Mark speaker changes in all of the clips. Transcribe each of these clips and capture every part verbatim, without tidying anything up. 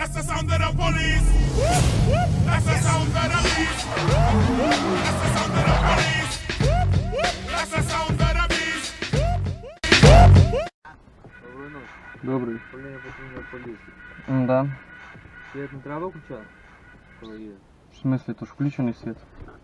Speaker 1: That's the sound of the police. That's the sound of the beast. That's the sound of the police. That's the sound of the beast.
Speaker 2: Доброї ночі.
Speaker 3: Добрий.
Speaker 2: Управління патрульної поліції.
Speaker 3: Да.
Speaker 2: Світ не треба включати? Коли є.
Speaker 3: В смысле, то ж включений світ.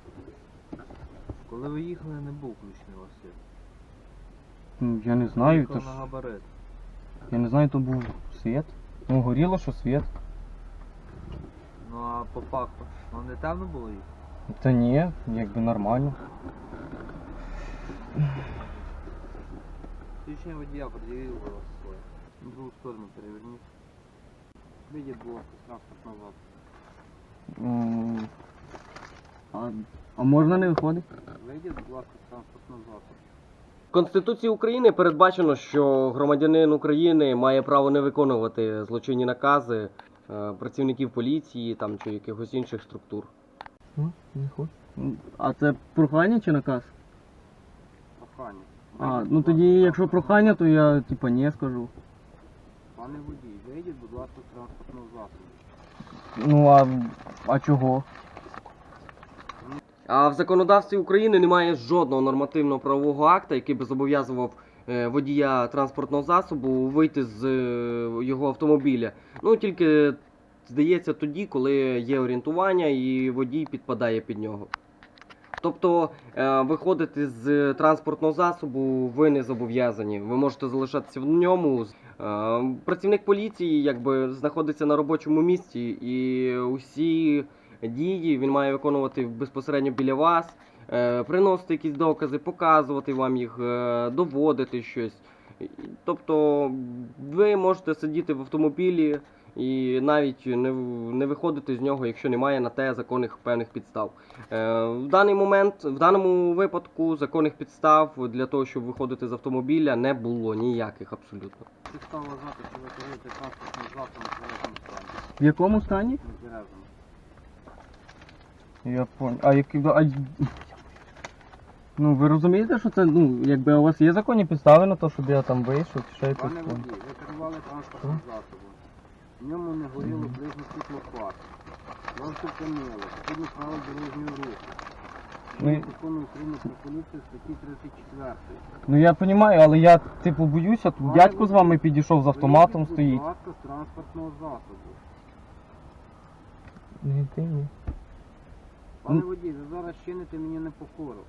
Speaker 2: Коли ви їхали, не був включений у вас світ.
Speaker 3: Ну, я не знаю,
Speaker 2: Їхав
Speaker 3: то ж...
Speaker 2: на габарит.
Speaker 3: Я не знаю, то був світ. Ну, горіло, що світ.
Speaker 2: Ну а по факту, вам не темно було їхати?
Speaker 3: Та ні, якби нормально.
Speaker 2: Свідчення водія пред'явив у вас своє. На другу сторону переверніть. Вийдіть, будь ласка, з транспортного засобу.
Speaker 3: М, А, а можна не виходить?
Speaker 2: Вийдіть, будь ласка, з транспортного засобу.
Speaker 4: В Конституції України передбачено, що громадянин України має право не виконувати злочинні накази е, працівників поліції там, чи якихось інших структур.
Speaker 3: Ну, не хочу. А це прохання чи наказ?
Speaker 2: Прохання.
Speaker 3: А,
Speaker 2: Вийдіть,
Speaker 3: ну
Speaker 2: будь
Speaker 3: тоді,
Speaker 2: ласка, з
Speaker 3: якщо
Speaker 2: транспортного
Speaker 3: прохання, то я типа не скажу.
Speaker 2: Пане водій, вийдіть, будь ласка, з транспортного засобу.
Speaker 3: Ну а, а чого?
Speaker 4: А в законодавстві України немає жодного нормативного правового акта, який би зобов'язував е, водія транспортного засобу вийти з е, його автомобіля. Ну тільки здається тоді, коли є орієнтування і водій підпадає під нього. Тобто е, виходити з транспортного засобу ви не зобов'язані. Ви можете залишатися в ньому. Е, працівник поліції якби знаходиться на робочому місці, і усі дії він має виконувати безпосередньо біля вас, е, приносити якісь докази, показувати вам їх, е, доводити щось. Тобто ви можете сидіти в автомобілі і навіть не, в- не виходити з нього, якщо немає на те законних певних підстав. Е, в даний момент, в даному випадку, законних підстав для того, щоб виходити з автомобіля, не було ніяких абсолютно.
Speaker 2: Підстава вважати, що ви керуєте транспортним засобом в тверезому стані.
Speaker 3: В якому стані?
Speaker 2: Нетверезому.
Speaker 3: Я понял. А які. А... Ну ви розумієте, що це, ну, якби у вас є законні підстави на те, щоб я там вийшов, чи ще якось
Speaker 2: Пане
Speaker 3: там?
Speaker 2: водій, ви керували транспортним засобом. В ньому не горіло ближнє світло фар. Вам зупинили, згідно правил дорожнього руху.
Speaker 3: Ну, і-
Speaker 2: Закону України про поліцію статті тридцять четыре.
Speaker 3: Ну я розумію, але я типу боюся, тут дядько з вами підійшов з автоматом
Speaker 2: Вийдіть,
Speaker 3: стоїть.
Speaker 2: будь ласка, з транспортного засобу.
Speaker 3: Ні, ти ні.
Speaker 2: Пане
Speaker 3: Ну.
Speaker 2: водій, ви зараз чините мені непокору.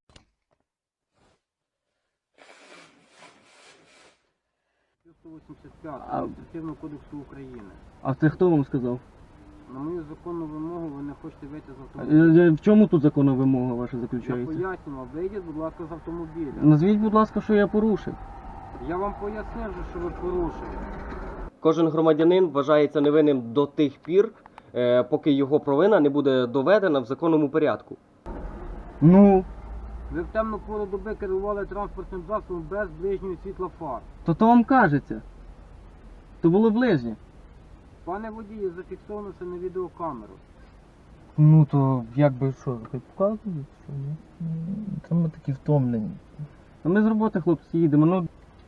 Speaker 2: сто вісімдесят п'ять
Speaker 3: А-
Speaker 2: Адміністративного кодексу України.
Speaker 3: А це хто вам сказав?
Speaker 2: На мою законну вимогу ви не хочете вийти з
Speaker 3: Е,
Speaker 2: автомобіля.
Speaker 3: е, В чому тут законна вимога ваша
Speaker 2: Я
Speaker 3: заключається?
Speaker 2: поясню вам, вийдіть, будь ласка, з автомобіля.
Speaker 3: Назвіть, будь ласка, що я порушив.
Speaker 2: Я вам пояснив, вже, що ви порушили.
Speaker 4: Кожен громадянин вважається невинним до тих пір, е, поки його провина не буде доведена в законному порядку.
Speaker 3: Ну,
Speaker 2: Ви в темну пору доби керували транспортним засобом без ближнього світла фар.
Speaker 3: то то вам кажеться. То було ближнє.
Speaker 2: Пане водію, зафіксовано це на відеокамеру.
Speaker 3: Ну то якби що, хай показують, що ні? Та ми такі втомлені. А ми з роботи, хлопці, їдемо, ну.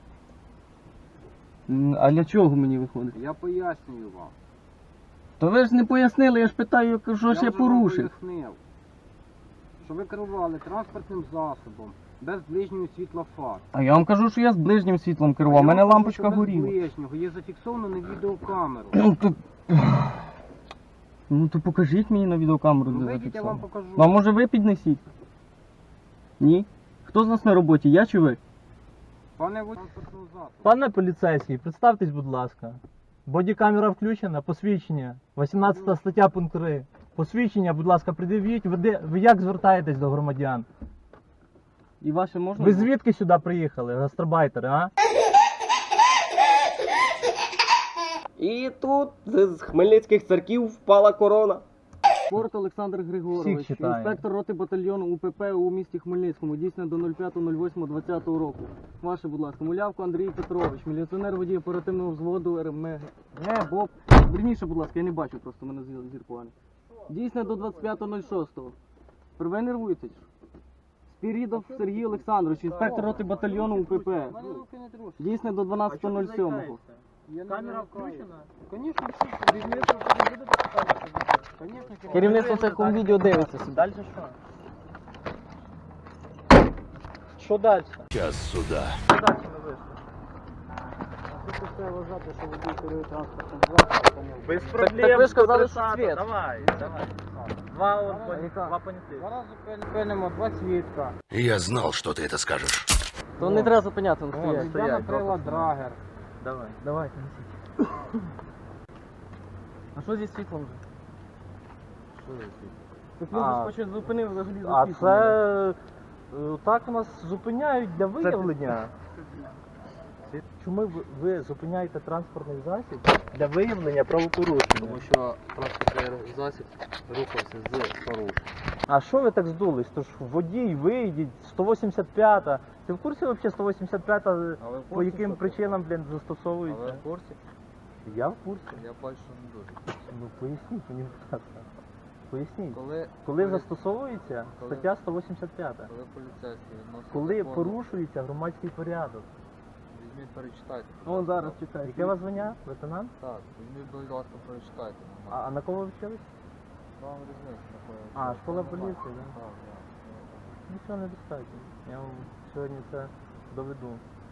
Speaker 3: М, А для чого мені виходить?
Speaker 2: Я пояснюю вам.
Speaker 3: То ви ж не пояснили, я ж питаю, що ж я
Speaker 2: вже вам
Speaker 3: порушив.
Speaker 2: пояснив, що ви керували транспортним засобом без ближнього світла фар.
Speaker 3: А я вам кажу, що я з ближнім світлом керував, у
Speaker 2: Я
Speaker 3: мене
Speaker 2: вам кажу,
Speaker 3: лампочка
Speaker 2: що без
Speaker 3: горіла.
Speaker 2: ближнього, є зафіксовано на відеокамеру.
Speaker 3: Ну то. Ну то покажіть мені на відеокамеру,
Speaker 2: Ну
Speaker 3: де
Speaker 2: вийдіть, я вам
Speaker 3: зафіксовано.
Speaker 2: покажу.
Speaker 3: Ну а може ви піднесіть? Ні? Хто з нас на роботі, я чи ви?
Speaker 2: Пане водій, транспортного засобу.
Speaker 5: Пане поліцейський, представтесь, будь ласка. Бодікамера включена, посвідчення. вісімнадцята стаття пункт три. Посвідчення, будь ласка, пред'явіть. Ви, де- ви як звертаєтесь до громадян?
Speaker 3: І ваше можна?
Speaker 5: Ви звідки сюди приїхали, гастарбайтери, а?
Speaker 4: І тут з Хмельницьких церків впала корона.
Speaker 3: Спорт Олександр Григорович,
Speaker 5: Всіх читає.
Speaker 3: інспектор роти батальйону УПП у місті Хмельницькому, дійсно до нуль п'ятого нуль восьмого двадцятого року. Ваше, будь ласка, Мулявко Андрій Петрович, міліціонер водій оперативного взводу РМГ, БОП. Верніше, будь ласка, я не бачу, просто в мене зір зір поганий. Дійсно до двадцять п'ятого нуль шостого. Ви нервуєтесь? Спірідов Сергій Олександрович, інспектор роти батальйону УПП.
Speaker 2: Мене руки не трусять.
Speaker 3: Дійсно до дванадцятого нуль сьомого. Я не
Speaker 5: Камера
Speaker 3: вимикаю.
Speaker 5: включена?
Speaker 3: Конечно, все. Керівництво тоді буде показувати відео? Конечно,
Speaker 4: Керівництво це ком відео дивиться собі.
Speaker 5: Далі що? Що далі?
Speaker 1: Час суда.
Speaker 5: Що далі ви вийшли?
Speaker 3: Тут треба вважати, що водій керує транспортним засобом.
Speaker 5: Без
Speaker 4: Так-
Speaker 5: проблем.
Speaker 4: так ви ж сказали,
Speaker 5: сто тридцять.
Speaker 4: що світ.
Speaker 5: Давай, давай. Два, от,
Speaker 3: А, яка?
Speaker 5: два понятих.
Speaker 3: Зараз зупинимо два свідка.
Speaker 1: Я знал, что ты это скажешь.
Speaker 4: То не треба зупиняти, не
Speaker 5: Вон,
Speaker 4: стоять.
Speaker 5: стоять,
Speaker 3: Я накрила
Speaker 5: допуск.
Speaker 3: драгер.
Speaker 5: Давай.
Speaker 3: Давайте, несіть. А що зі світлом вже? Так він
Speaker 5: А.
Speaker 3: же ж зупинив взагалі за
Speaker 5: А
Speaker 3: світлом.
Speaker 5: це е, так нас зупиняють для виявлення. Чому ви, ви зупиняєте транспортний засіб для виявлення правопорушення?
Speaker 2: Тому що транспортний засіб рухався з порушенням.
Speaker 5: А що ви так здулись? Тож водій, вийдіть, сто вісімдесят п'ята. Ти в курсі взагалі сто вісімдесят п'ята
Speaker 2: Але в
Speaker 5: по
Speaker 2: курсі,
Speaker 5: яким
Speaker 2: що
Speaker 5: причинам, блін,
Speaker 2: Але
Speaker 5: застосовується?
Speaker 2: в курсі,
Speaker 5: Я в курсі.
Speaker 2: я бачу, що не дуже.
Speaker 5: Ну поясніть мені, будь ласка. Поясніть.
Speaker 2: Коли,
Speaker 5: Коли застосовується
Speaker 2: коли-
Speaker 5: стаття сто вісімдесят п'ята?
Speaker 2: коли поліцейський відносить
Speaker 5: Коли
Speaker 2: закону,
Speaker 5: порушується громадський порядок.
Speaker 2: візьміть, перечитайте.
Speaker 3: Вон зараз чекай.
Speaker 5: Яке у вас звання? Лейтенант?
Speaker 2: Так, візьміть, будь ласка, прочитайте.
Speaker 5: А, а на кого ви вчились?
Speaker 2: Вам різниця такої.
Speaker 5: А, школа поліції, да?
Speaker 2: Так, так.
Speaker 5: Нічого недостатньо. Я вам сьогодні це доведу.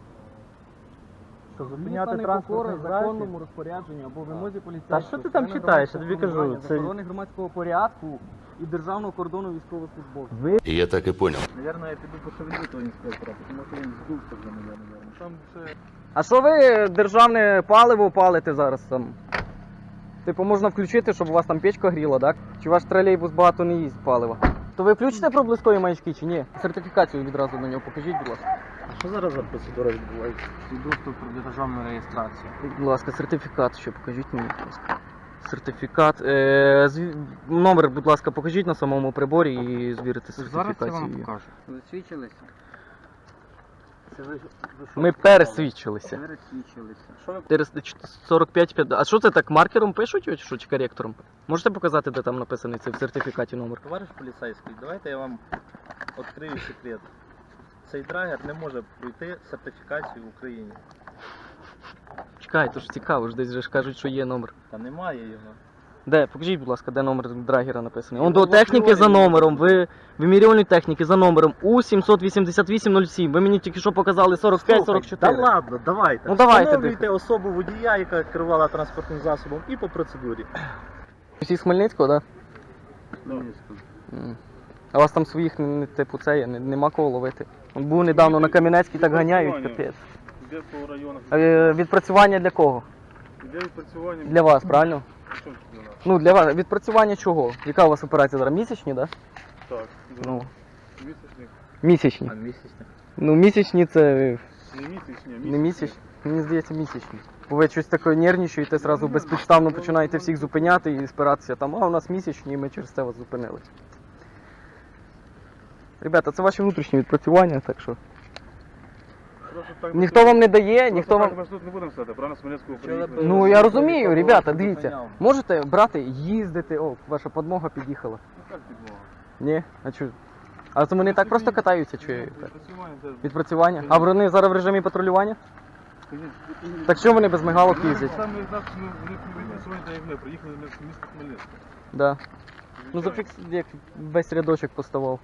Speaker 5: Що зупиняти
Speaker 3: Зупиняти
Speaker 5: транспортний
Speaker 3: законному
Speaker 5: засіб.
Speaker 3: розпорядженню або вимозі поліцейського.
Speaker 5: Та що ти там читаєш? Я тобі кажу, це-
Speaker 3: Охорони громадського порядку і державного кордону військовослужбовців.
Speaker 5: Ви
Speaker 1: Я так и понял.
Speaker 6: Наверное, я піду пошевелю того інспектора, тому що він здувся вже, наверное. Там ще
Speaker 4: А що ви державне паливо палите зараз там? Типу можна включити, щоб у вас там печка гріла, так? Чи ваш тролейбус багато не їсть палива? То ви включите проблискові маячки чи ні? Сертифікацію відразу на нього покажіть, будь ласка.
Speaker 5: що зараз за процедура відбувається?
Speaker 2: Свідоцтво про державну реєстрацію.
Speaker 4: Будь ласка, сертифікат ще покажіть мені, будь ласка. Сертифікат. Е, зві- Номер, будь ласка, покажіть на самому приборі і звірити
Speaker 2: Зараз я
Speaker 4: сертифікацію.
Speaker 2: вам покажу. Ви свідчилися? Це ви, ви що
Speaker 4: Ми
Speaker 2: сказали?
Speaker 4: пересвідчилися.
Speaker 2: Пересвідчилися.
Speaker 5: Що ви
Speaker 4: чотириста сорок п'ять п'ятдесят. А що це так маркером пишуть чи що, чи коректором? Можете показати, де там написаний цей в сертифікаті номер?
Speaker 6: товариш поліцейський, давайте я вам відкрию секрет. Цей драгер не може пройти сертифікацію в Україні.
Speaker 4: Чекай, то ж цікаво, ж десь же ж кажуть, що є номер.
Speaker 6: Та немає його.
Speaker 4: Де? Покажіть, будь ласка, де номер драгера написаний. Он до техніки за номером, ви вимірювальної техніки за номером У сімсот вісімдесят вісім нуль сім. Ви мені тільки що показали сорок п'ять сорок чотири.
Speaker 6: Та ладно, давайте.
Speaker 4: Ну, давайте,
Speaker 6: Встановлюйте особу водія, яка керувала транспортним засобом, і по процедурі.
Speaker 4: Всі з Хмельницького, так?
Speaker 2: Хмельницького.
Speaker 4: Да? М. А у вас там своїх, не- типу, це є, не- нема кого ловити. Он був недавно на Кам'янецькій, так ганяють, капець.
Speaker 6: Де по районах?
Speaker 4: Е, Відпрацювання для кого?
Speaker 6: Де відпрацювання?
Speaker 4: Для вас, правильно?
Speaker 6: Що для нас?
Speaker 4: Ну, для вас. Відпрацювання чого? Яка у вас операція зараз? Місячні, так? Да?
Speaker 6: Так,
Speaker 4: Ну,
Speaker 6: місячник.
Speaker 4: місячні.
Speaker 6: А місячник?
Speaker 4: Ну, місячні це
Speaker 6: Не місячні, а
Speaker 4: не місячні. Мені здається, місячні. Бо ви щось таке нервничаєте, зразу безпідставно починаєте всіх зупиняти і спиратися там, а у нас місячні, і ми через це вас зупинили. Ребята, це ваші внутрішні відпрацювання, так що. Ніхто вам не дає, ніхто вам.
Speaker 6: Ми тут не будемо стати, правильно, з Хмельницького
Speaker 2: Що ви
Speaker 6: приїхали.
Speaker 4: Ну я розумію,
Speaker 2: Ніхто
Speaker 4: ребята,
Speaker 2: вас
Speaker 4: дивіться.
Speaker 2: зупиняв.
Speaker 4: Можете брати, їздити. О, ваша подмога під'їхала.
Speaker 6: Ну, як підмога?
Speaker 4: Ні? А чого? А це вони так просто катаються, чи як?
Speaker 6: Відпрацювання, це...
Speaker 4: Відпрацювання? А вони зараз в режимі патрулювання? Так що вони без мигалок їздять?
Speaker 6: Саме з нас, ну, вони відпрацювання, так як ми, приїхали ми в місто Хмельницьке.
Speaker 4: Да. Ну зафікс, як весь рядочок поставав.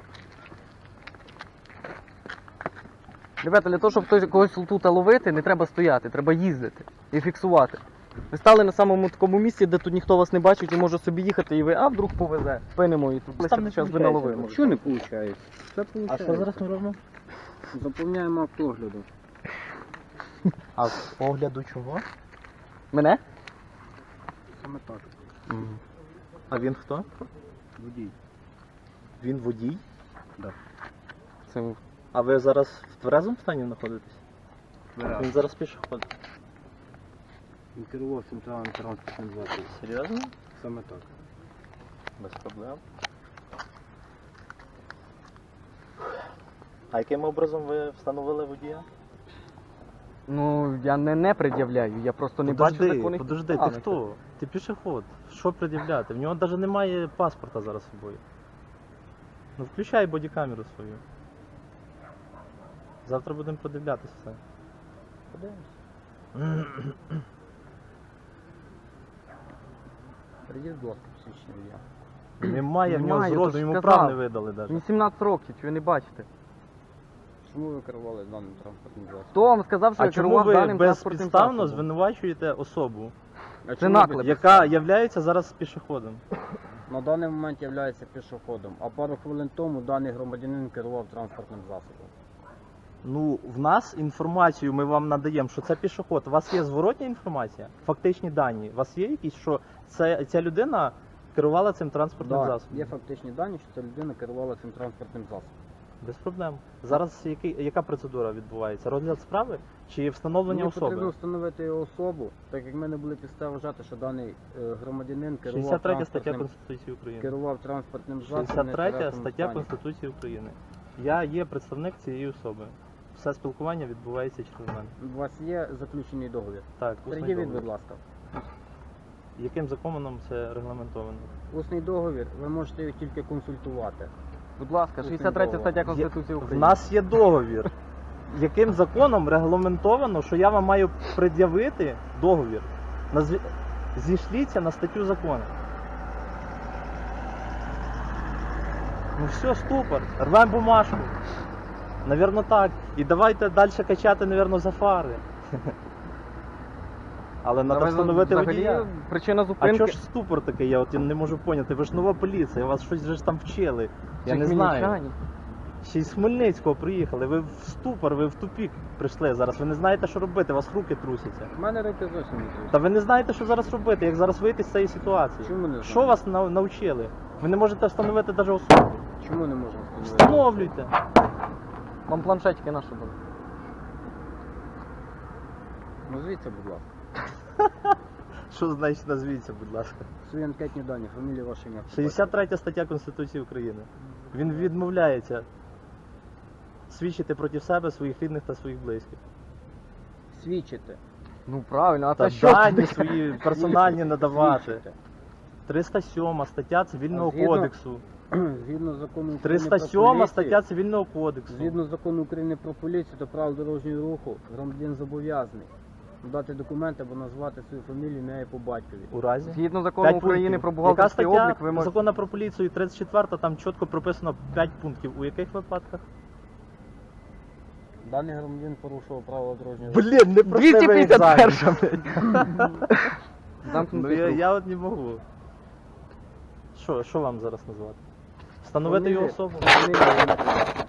Speaker 4: Ребята, для того, щоб хтось когось тут ловити, не треба стояти, треба їздити і фіксувати. Ви стали на самому такому місці, де тут ніхто вас не бачить і може собі їхати, і ви, а вдруг повезе, спинимо і тут
Speaker 5: Там не
Speaker 4: зараз ви
Speaker 5: получається,
Speaker 4: наловили.
Speaker 2: Що не виходить? Все
Speaker 5: А
Speaker 2: виходить.
Speaker 5: що зараз ми робимо?
Speaker 2: Заповняємо автогляду.
Speaker 5: А з огляду чого?
Speaker 4: Мене?
Speaker 2: Саме так.
Speaker 5: А він хто?
Speaker 2: Водій.
Speaker 5: Він водій?
Speaker 4: Це
Speaker 5: А ви зараз в тверезому стані знаходитесь?
Speaker 2: Вираз.
Speaker 5: Він зараз пішоход.
Speaker 2: Він керував центральним транспортним засобом.
Speaker 5: Серйозно?
Speaker 2: Саме так.
Speaker 5: Без проблем. А яким образом ви встановили водія?
Speaker 4: Ну, я не, не пред'являю, я просто не бачу
Speaker 5: Подожди,
Speaker 4: законних
Speaker 5: подожди, ти
Speaker 4: підстав.
Speaker 5: хто? Ти пішоход. Що пред'являти? В нього навіть немає паспорта зараз з собою. Ну включай бодікамеру свою. Завтра будемо продивлятися все. Подивимось.
Speaker 2: Прийдіть, будь ласка, посвідчення водія.
Speaker 5: Немає в нього
Speaker 3: Немає,
Speaker 5: зроду,
Speaker 3: то ж
Speaker 5: йому
Speaker 3: сказав.
Speaker 5: прав не видали навіть.
Speaker 3: Мені сімнадцять років, чи ви не бачите?
Speaker 2: Чому ви керували даним транспортним засобом?
Speaker 3: Хто вам сказав, що
Speaker 5: А
Speaker 3: я
Speaker 5: чому
Speaker 3: керував
Speaker 5: ви
Speaker 3: даним транспортним
Speaker 5: безпідставно
Speaker 3: засобом?
Speaker 5: звинувачуєте особу,
Speaker 2: А
Speaker 3: Це
Speaker 2: чому
Speaker 3: наклеп.
Speaker 2: ви-
Speaker 5: яка являється зараз пішоходом?
Speaker 2: На даний момент є пішоходом, а пару хвилин тому даний громадянин керував транспортним засобом.
Speaker 5: Ну, в нас інформацію ми вам надаємо, що це пішоход. У вас є зворотня інформація? Фактичні дані. У вас є якісь, що це, ця людина керувала цим транспортним
Speaker 2: Так,
Speaker 5: засобом?
Speaker 2: є фактичні дані, що ця людина керувала цим транспортним засобом.
Speaker 5: Без проблем. Зараз який, яка процедура відбувається? Розгляд справи чи встановлення
Speaker 2: Мені потрібно
Speaker 5: особи?
Speaker 2: встановити його особу, так як в мене були підстави вважати, що даний е, громадянин керував
Speaker 5: шістдесят третя стаття
Speaker 2: транспортним,
Speaker 5: Конституції України.
Speaker 2: керував транспортним засобом.
Speaker 5: шістдесят третя
Speaker 2: в нетверезому
Speaker 5: стаття
Speaker 2: стані.
Speaker 5: Конституції України. Я є представник цієї особи. Все спілкування відбувається через мене.
Speaker 2: У вас є заключений договір?
Speaker 5: Так, усний
Speaker 2: Пред'явіть,
Speaker 5: договір.
Speaker 2: будь ласка.
Speaker 5: Яким законом це регламентовано?
Speaker 2: Усний договір, ви можете його тільки консультувати.
Speaker 3: Будь ласка, шістдесят третя стаття
Speaker 5: Є-
Speaker 3: Конституції
Speaker 5: В
Speaker 3: України.
Speaker 5: нас є договір. Яким законом регламентовано, що я вам маю пред'явити договір? Назві... Зійшліться на статтю закону. Ну все, ступор, рвемо бумажку. Навірно так. І давайте далі качати, навірно, за фари. Але треба
Speaker 3: Давай
Speaker 5: встановити
Speaker 3: взагалі
Speaker 5: водія.
Speaker 3: Причина
Speaker 5: А
Speaker 3: зупинки.
Speaker 5: чого ж ступор такий, я от я не можу поняти. Ви ж нова поліція, вас щось вже ж там вчили. Я
Speaker 3: Чи
Speaker 5: не знаю.
Speaker 3: хмельничані?
Speaker 5: Ще й з Хмельницького приїхали, ви в ступор, ви в тупік прийшли зараз. Ви не знаєте, що робити, у вас руки трусяться.
Speaker 2: У мене руки зовсім не трусять.
Speaker 5: Та ви не знаєте, що зараз робити, як зараз вийти з цієї ситуації.
Speaker 2: Чому не знаю?
Speaker 5: Що вас нав- навчили? Ви не можете встановити навіть особу.
Speaker 2: Чому не можемо встановити?
Speaker 5: Встановлюйте.
Speaker 3: Вам планшетики наші були.
Speaker 2: Назвіться, будь ласка.
Speaker 5: Що значить назвіться, будь ласка?
Speaker 2: Свої анкетні дані, фамілія, ваше ім'я.
Speaker 5: шістдесят третя стаття Конституції України. Він відмовляється свідчити проти себе, своїх рідних та своїх близьких.
Speaker 2: Свідчите.
Speaker 3: Ну правильно, а
Speaker 5: Та
Speaker 3: це що?
Speaker 5: дані свої персональні надавати.
Speaker 2: Свідчите.
Speaker 5: триста сьома стаття Цивільного
Speaker 2: А згідно-
Speaker 5: кодексу.
Speaker 2: Згідно закону України
Speaker 5: триста
Speaker 2: про
Speaker 5: сьома
Speaker 2: поліцію,
Speaker 5: стаття Цивільного кодексу.
Speaker 2: Згідно закону України про поліцію та правил дорожнього руху, громадянин зобов'язаний дати документи або назвати свою фамілію, ім'я і по батькові.
Speaker 5: У разі.
Speaker 3: Згідно закону
Speaker 5: П'ять
Speaker 3: України
Speaker 5: пунктів.
Speaker 3: про
Speaker 5: Яка
Speaker 3: бухгалтерський
Speaker 5: стаття
Speaker 3: облік, ви можете...
Speaker 5: закону про поліцію тридцять четверта, там чітко прописано п'ять пунктів. У яких випадках?
Speaker 2: Даний громадянин порушував правила дорожнього руху.
Speaker 5: Блін, не
Speaker 3: двісті п'ятдесят перша,
Speaker 5: Ну
Speaker 3: Замкнутий
Speaker 5: я,
Speaker 3: круг.
Speaker 5: я от не можу. Що, що вам зараз назвати? Встановити його
Speaker 2: Фамілія-
Speaker 5: особу?
Speaker 2: фамілія, ім'я.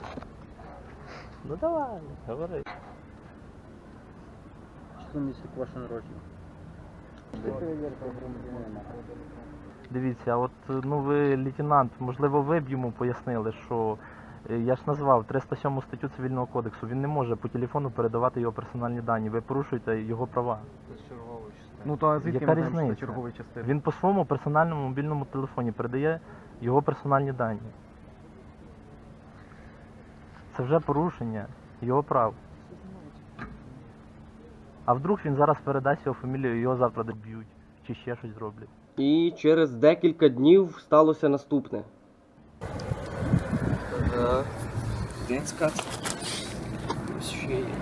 Speaker 5: Ну давай, говори.
Speaker 2: Число місяць ваше народження. Ти перевірка громадянина.
Speaker 5: Дивіться, от ну ви, лейтенант, можливо, ви б йому пояснили, що е, я ж назвав триста сьому статтю Цивільного кодексу. Він не може по телефону передавати його персональні дані. Ви порушуєте його права.
Speaker 3: Ну то а звідки
Speaker 5: Яка
Speaker 3: ми знаємо, що це
Speaker 5: різниця?
Speaker 3: черговий частини?
Speaker 5: Він по своєму персональному мобільному телефоні передає його персональні дані. Це вже порушення його прав. А вдруг він зараз передасть його фамілію, і його завтра доб'ють, чи ще щось зроблять.
Speaker 4: І через декілька днів сталося наступне.
Speaker 7: Один скат. Ось ще є.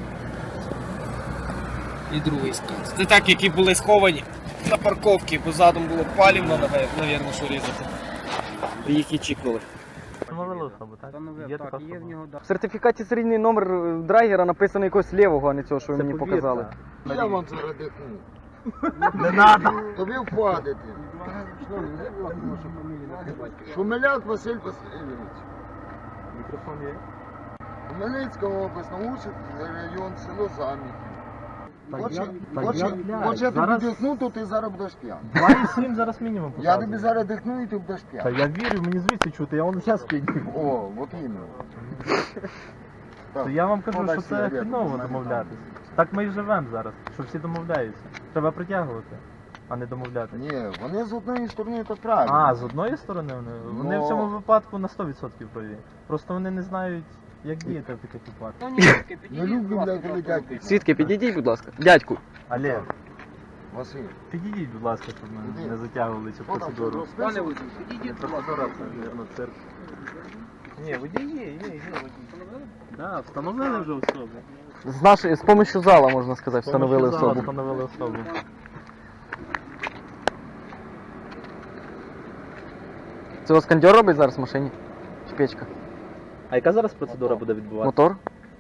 Speaker 7: І другий скат. Це так, які були сховані на парковці, бо задом було палівно, навірно, що різати. І їх і чікнули.
Speaker 5: Встановили особу, так?
Speaker 2: Встановив,
Speaker 5: Є
Speaker 2: так,
Speaker 5: така
Speaker 2: є в
Speaker 5: особа.
Speaker 2: нього да.
Speaker 3: В сертифікаті серійний номер е, драйвера написано якогось лівого, а не цього, що ви
Speaker 5: Це
Speaker 3: мені
Speaker 5: повірка.
Speaker 3: показали.
Speaker 8: Я вам зараз дихну.
Speaker 5: Не надо!
Speaker 8: Тобі впадете.
Speaker 2: Шановний, назвіть, будь ласка, вашу фамілію, ім'я і батькові.
Speaker 8: Шумеляк Василь Васильович.
Speaker 5: Мікрофон є?
Speaker 8: Хмельницька область, Научний район, село Заміхів.
Speaker 5: Так
Speaker 8: Хоче,
Speaker 5: я- так
Speaker 8: хоче,
Speaker 5: я, блядь,
Speaker 8: хоче я тобі
Speaker 5: зараз-
Speaker 8: дихну, то ти зараз будеш п'яний.
Speaker 5: два і сім зараз мінімум
Speaker 8: Я
Speaker 5: показує.
Speaker 8: тобі зараз дихну і ти будеш
Speaker 5: Та
Speaker 8: п'яний.
Speaker 5: я вірю, мені звідси чути, я вон зараз підніму.
Speaker 8: О, от іменно.
Speaker 5: То я вам кажу,
Speaker 8: Подай
Speaker 5: що це
Speaker 8: сигарету,
Speaker 5: хреново
Speaker 8: в мене
Speaker 5: домовлятися. Так ми і живемо зараз, що всі домовляються. Треба притягувати, а не домовлятися.
Speaker 8: Ні, вони з однієї сторони то правильно.
Speaker 5: А, з одної сторони вони? Вони
Speaker 8: Ну.
Speaker 5: в цьому випадку на сто відсотків праві. Просто вони не знають, як діяти в таких випадках.
Speaker 8: Не люблю, блядь, коли дядьки.
Speaker 3: Свідки, підійдіть, будь ласка. Дядьку.
Speaker 5: Але,
Speaker 8: Василь,
Speaker 5: підійдіть, будь ласка, щоб ми
Speaker 8: Іди.
Speaker 5: не затягували цю процедуру.
Speaker 8: Пане
Speaker 5: Процедура, мабуть, цирк. Ні, водій є, є, є водій. Так, встановили вже особу.
Speaker 3: З нашої, з помощью зала, можна сказати, встановили
Speaker 5: Помощью зала
Speaker 3: особу.
Speaker 5: Встановили особу.
Speaker 3: Це у вас кондьор робить зараз в машині? Чи печка?
Speaker 5: А яка зараз процедура буде відбуватися?
Speaker 3: Мотор?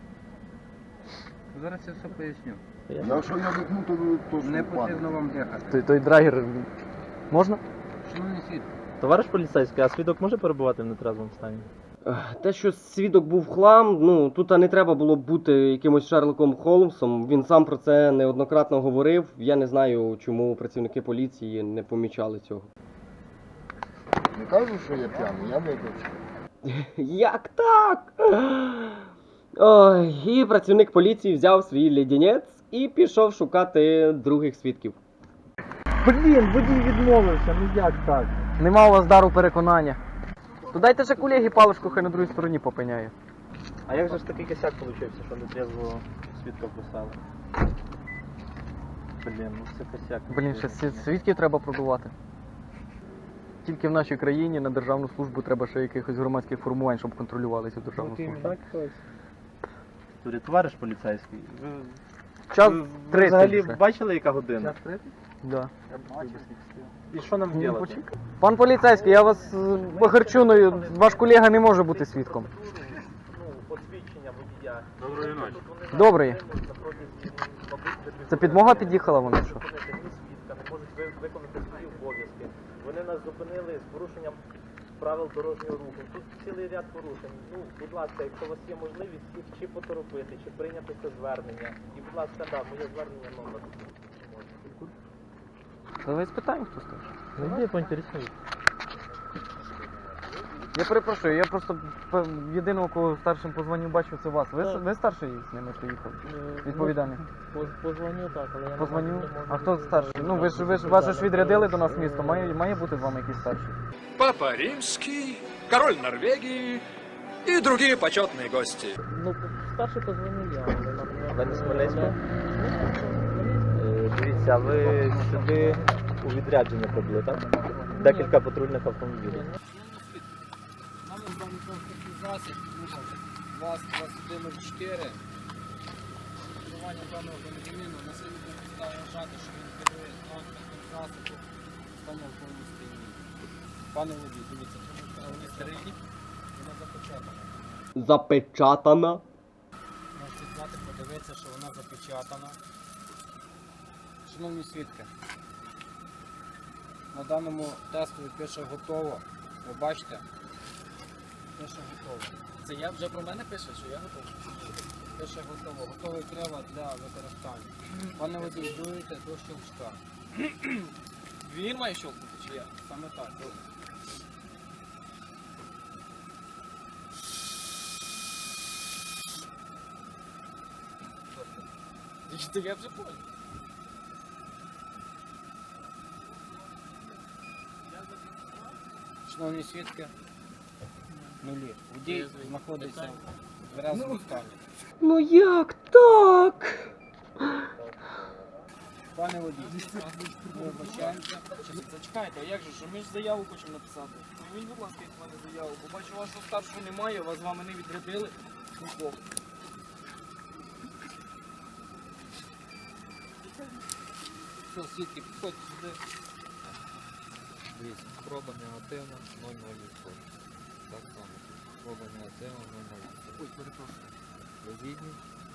Speaker 2: Зараз я все поясню.
Speaker 8: Якщо я вікну, то ви точно
Speaker 2: Не
Speaker 8: впадете.
Speaker 2: потрібно вам дихати.
Speaker 3: Той, той драгер можна?
Speaker 2: Шановний світ,
Speaker 5: Товариш поліцейський, а свідок може перебувати в нетрезвому стані?
Speaker 4: Ех, Те, що свідок був хлам, ну тут не треба було бути якимось Шерлоком Холмсом. Він сам про це неоднократно говорив. Я не знаю, чому працівники поліції не помічали цього.
Speaker 8: Не кажу, що я п'яний, я випивши.
Speaker 4: Як так? Ой, і працівник поліції взяв свій леденець і пішов шукати других свідків.
Speaker 5: Блін, водій відмовився, ну як так?
Speaker 3: Нема у вас дару переконання. То дайте же колеги паличку, хай на другій стороні попиняє.
Speaker 5: А як же ж такий косяк вийшов, що нетрезво свідка вписали? Блін, ну це косяк.
Speaker 3: Блін, ще сві- свідків треба продувати. Тільки в нашій країні на державну службу треба ще якихось громадських формувань, щоб контролювали цю державну службу.
Speaker 5: Турі, товариш поліцейський, ви,
Speaker 3: Час
Speaker 5: ви, ви
Speaker 3: тридцять
Speaker 5: взагалі
Speaker 3: вже.
Speaker 5: бачили, яка година?
Speaker 3: Да.
Speaker 5: І що нам
Speaker 3: Ну,
Speaker 5: робити?
Speaker 3: почекай. Пан поліцейський, я вас е, похарчуную, ваш колега не може бути свідком.
Speaker 5: Ну, посвідчення водія.
Speaker 6: Доброї ночі.
Speaker 3: Добрий. Це підмога під'їхала вона що?
Speaker 5: Не можуть ви- виконати свої обов'язки. Вони нас зупинили з порушенням правил дорожнього руху. Тут цілий ряд порушень. Ну, будь ласка, якщо у вас є можливість їх чи поторопити, чи прийняти це звернення. І, будь ласка, да, моє звернення номер.
Speaker 3: Давай спитаємо, хто старший.
Speaker 5: Ну, я поінтересую.
Speaker 3: Я перепрошую, я просто п- єдиного, кого старшим по званню бачив, це вас. Ви, с-
Speaker 5: Так.
Speaker 3: ви старший з ними приїхали? Відповідальний?
Speaker 5: Позвоню так, але я
Speaker 3: По званню? А хто старший? Ну ви ж ви ж вас ж відрядили до нас в місто, має, має бути з вами якийсь старший.
Speaker 9: Папа Римский, король Норвегии и другие почетные гости.
Speaker 5: Ну, старший позвонив я, але нам не... Ви не з Хмельницького? Дивіться, ви сюди у відрядження прибули, так? Декілька патрульних автомобілів.
Speaker 3: Нами даний транспортний засіб, ВАЗ двадцять один нуль чотири. Керування даного громадянина на силу підстави вважати, що він керує транспортним засобом в стані алкогольного сп'яніння. Пане водій, дивіться, тут стерильні, вона запечатана.
Speaker 4: Запечатана.
Speaker 3: Можете взяти, подивитися, що вона запечатана. Шановні свідки, на даному тестові пише готово. Ви бачите? Пише готово. Це я вже про мене пише, що я готовий? Пише готово. Готовий прилад для використання. Пане водій, дуєте до щелчка. Він має щелкнути чи я? Саме так. Добре. Тобто, я вже понял. Шановні свідки, нулі. Водій знаходиться в тверезому стані.
Speaker 4: Ну як так?
Speaker 3: Пане водій, ми вибачаємося. Зачекайте, а як же, що ми ж заяву хочемо написати? Візьміть, будь ласка, від мене заяву, бо бачу, вашого старшого немає, вас з вами не відрядили. Нікого. Все, свідки, підходьте сюди.
Speaker 10: Дивіться, спроба негативна нуль цілих нуль відсотків. Так само. Спроба негативна нуль цілих нуль відсотків.
Speaker 3: Ой, перепрошую.
Speaker 10: Ви згідні?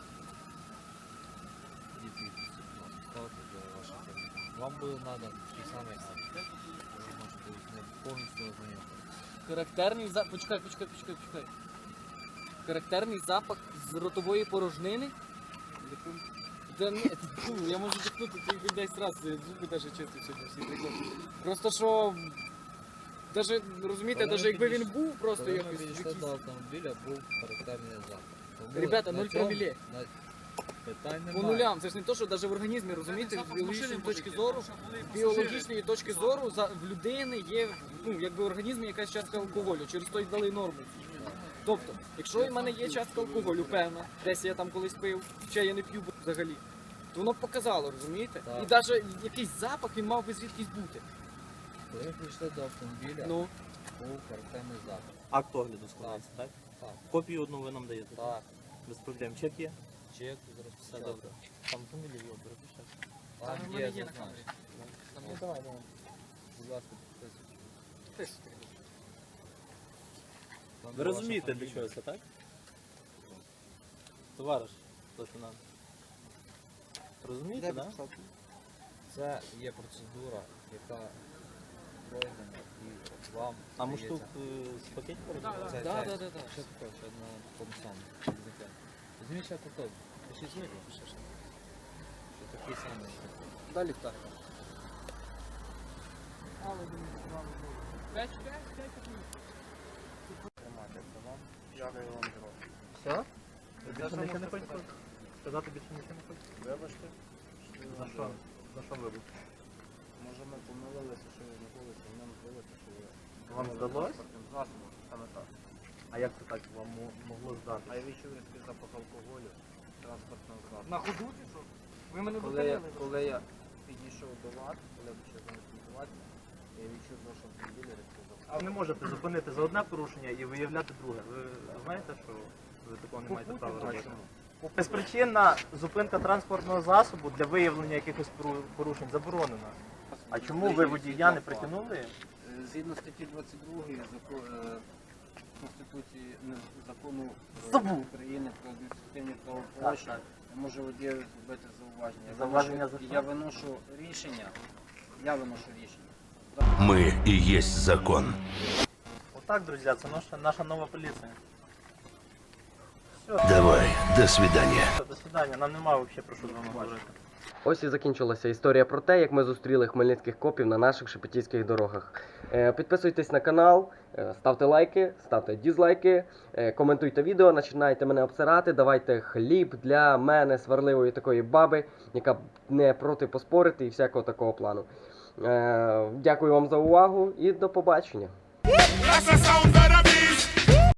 Speaker 10: І підписи, будь ласка, ставте для ваших коментарів. Вам буде надан такий самий акт. Ви можете з ним повністю ознайомитися.
Speaker 3: Характерний запах. Почекай, почекай, почекай, почекай. Характерний запах з ротової порожнини. Та ні, фу, я можу дихнути тільки десь раз, зуби навіть чисті сьогодні всі прикольні. Просто що, даже, розумієте,
Speaker 10: Коли
Speaker 3: навіть
Speaker 10: ви
Speaker 3: якби
Speaker 10: підійш-
Speaker 3: він був просто
Speaker 10: Коли ми
Speaker 3: якось
Speaker 10: підійшли
Speaker 3: якийсь...
Speaker 10: до автомобіля, був характерний запах. Тому
Speaker 3: Ребята,
Speaker 10: на
Speaker 3: нуль
Speaker 10: цьому-
Speaker 3: проміле.
Speaker 10: на- Питань
Speaker 3: По
Speaker 10: немає.
Speaker 3: нулям, це ж не то, що навіть в організмі, розумієте, з біологічної точки зору, з біологічної точки зору за, в людини є, ну, якби в організмі якась частка алкоголю, через то й дали норму. Тобто, якщо в мене є частка алкоголю, певна, десь я там колись пив, ще я не п'ю взагалі, то воно б показало, розумієте?
Speaker 10: Так.
Speaker 3: І навіть якийсь запах він мав би звідкись бути.
Speaker 10: Коли ми прийшли до автомобіля,
Speaker 3: Ну,
Speaker 10: був характерний запах.
Speaker 5: Акт огляду складається, так?
Speaker 10: Так.
Speaker 5: Копію одну ви нам даєте?
Speaker 10: Так.
Speaker 5: Без проблем. Чек є?
Speaker 10: Чек зараз
Speaker 5: Все
Speaker 10: писати.
Speaker 5: добре. Там фамілію його перепишете.
Speaker 3: Там
Speaker 10: Там
Speaker 3: в мене
Speaker 10: є
Speaker 3: є на
Speaker 10: зазначення.
Speaker 3: камері.
Speaker 5: Ну давай, давай.
Speaker 10: Будь ласка, підписуйте.
Speaker 3: Підписуйте.
Speaker 6: Ви розумієте, для чого це, так? Товариш лейтенант. Розумієте, так?
Speaker 10: Це є процедура, яка пройдена і вам.
Speaker 6: А
Speaker 10: здається-
Speaker 6: муштук з пакетів передавав?
Speaker 10: Це, да, да, да, да. Ще таке, ще на тому самому. Візьміть ще таке. Пишіть зміни, ще ще. Що такий самий.
Speaker 3: Далі так.
Speaker 2: Дякую вам, гроші.
Speaker 5: Все? Ви більше нічого не хочете сказати? Більше нічого не хочете?
Speaker 2: Вибачте.
Speaker 5: За що? За що вибух?
Speaker 2: Може ми помилилися, що ви знаходилися, і нам здалося, що ви...
Speaker 5: Вам здалось?
Speaker 2: Транспортним засобом, саме так.
Speaker 5: А як це так вам мо- могло здати?
Speaker 2: А я відчув різкий запах алкоголю, транспортного засобу.
Speaker 3: На ходу чи що? Ви мене
Speaker 2: Коли я,
Speaker 3: зупинили.
Speaker 2: коли я підійшов до вас, коли я почав з вами спілкуватися, я відчув в вашому автомобілі різкий запах.
Speaker 5: А ви не можете зупинити за одне порушення і виявляти друге. Ви знаєте, що ви такого не маєте права робити? Безпричинна зупинка транспортного засобу для виявлення якихось пору- порушень заборонена. А чому ви водія не притягнули?
Speaker 2: Е, Згідно статті двадцять другої зако- е, Конституції не, закону е,
Speaker 5: Забув.
Speaker 2: України про адміністративні
Speaker 5: Так,
Speaker 2: правопорушення,
Speaker 5: так.
Speaker 2: я можу водію зробити зауваження. Я
Speaker 5: Зауваження
Speaker 2: виношу-
Speaker 5: за що?
Speaker 2: Я виношу рішення. Я виношу рішення.
Speaker 11: Мы и есть закон.
Speaker 5: Отак, друзі, це наша, наша нова поліція.
Speaker 11: Давай, до свидания.
Speaker 5: Все, до свидання, нам немає взагалі про що з вами говорити.
Speaker 4: Ось і закінчилася історія про те, як ми зустріли хмельницьких копів на наших шепетівських дорогах. Е, Підписуйтесь на канал, е, ставте лайки, ставте дізлайки, е, коментуйте відео, починайте мене обсирати, давайте хліб для мене, сварливої такої баби, яка не проти поспорити і всякого такого плану. Е, Дякую вам за увагу і до побачення.
Speaker 1: That's the sound